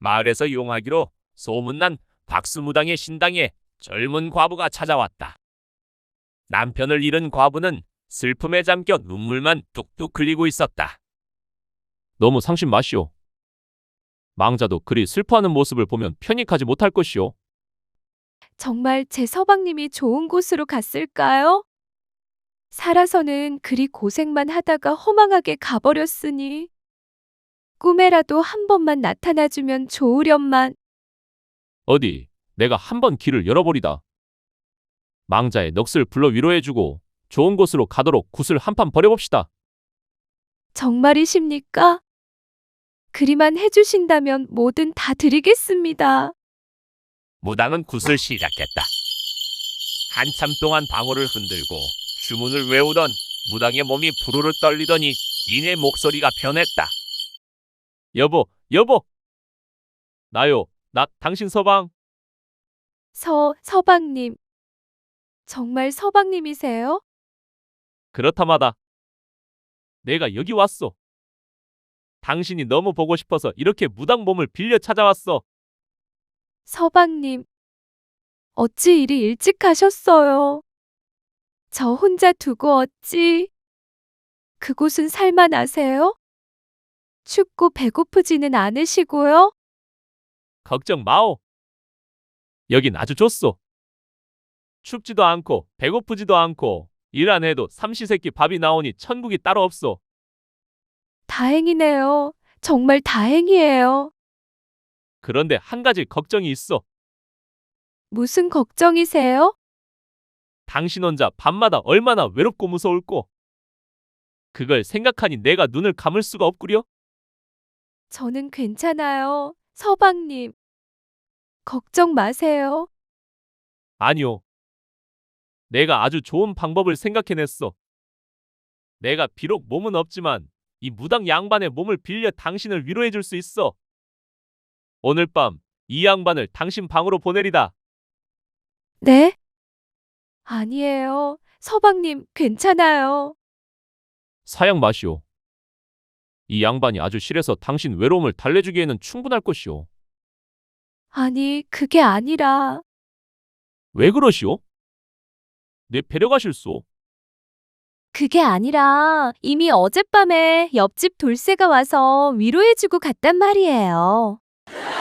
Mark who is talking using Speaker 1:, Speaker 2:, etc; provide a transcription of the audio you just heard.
Speaker 1: 마을에서 용하기로 소문난 박수무당의 신당에 젊은 과부가 찾아왔다. 남편을 잃은 과부는 슬픔에 잠겨 눈물만 뚝뚝 흘리고 있었다.
Speaker 2: 너무 상심 마시오. 망자도 그리 슬퍼하는 모습을 보면 편히 가지 못할 것이오.
Speaker 3: 정말 제 서방님이 좋은 곳으로 갔을까요? 살아서는 그리 고생만 하다가 허망하게 가버렸으니 꿈에라도 한 번만 나타나주면 좋으련만.
Speaker 2: 어디 내가 한번 길을 열어버리다. 망자의 넋을 불러 위로해주고 좋은 곳으로 가도록 굿을 한판 벌여봅시다.
Speaker 3: 정말이십니까? 그리만 해주신다면 뭐든 다 드리겠습니다.
Speaker 1: 무당은 굿을 시작했다. 한참 동안 방울을 흔들고 주문을 외우던 무당의 몸이 부르르 떨리더니 이내 목소리가 변했다.
Speaker 2: 여보, 여보. 나요, 나 당신 서방.
Speaker 3: 서방님. 정말 서방님이세요?
Speaker 2: 그렇다마다. 내가 여기 왔어. 당신이 너무 보고 싶어서 이렇게 무당 몸을 빌려 찾아왔어.
Speaker 3: 서방님. 어찌 이리 일찍 가셨어요? 저 혼자 두고 어찌? 그곳은 살만하세요? 춥고 배고프지는 않으시고요?
Speaker 2: 걱정 마오. 여긴 아주 좋소. 춥지도 않고 배고프지도 않고 일 안 해도 삼시세끼 밥이 나오니 천국이 따로 없소.
Speaker 3: 다행이네요. 정말 다행이에요.
Speaker 2: 그런데 한 가지 걱정이 있어.
Speaker 3: 무슨 걱정이세요?
Speaker 2: 당신 혼자 밤마다 얼마나 외롭고 무서울꼬. 그걸 생각하니 내가 눈을 감을 수가 없구려.
Speaker 3: 저는 괜찮아요. 서방님. 걱정 마세요.
Speaker 2: 아니요. 내가 아주 좋은 방법을 생각해냈어. 내가 비록 몸은 없지만 이 무당 양반의 몸을 빌려 당신을 위로해줄 수 있어. 오늘 밤 이 양반을 당신 방으로 보내리다.
Speaker 3: 네? 아니에요. 서방님, 괜찮아요.
Speaker 2: 사양 마시오. 이 양반이 아주 실해서 당신 외로움을 달래주기에는 충분할 것이오.
Speaker 3: 아니, 그게 아니라
Speaker 2: 왜 그러시오? 내 배려가실소.
Speaker 3: 그게 아니라 이미 어젯밤에 옆집 돌쇠가 와서 위로해주고 갔단 말이에요.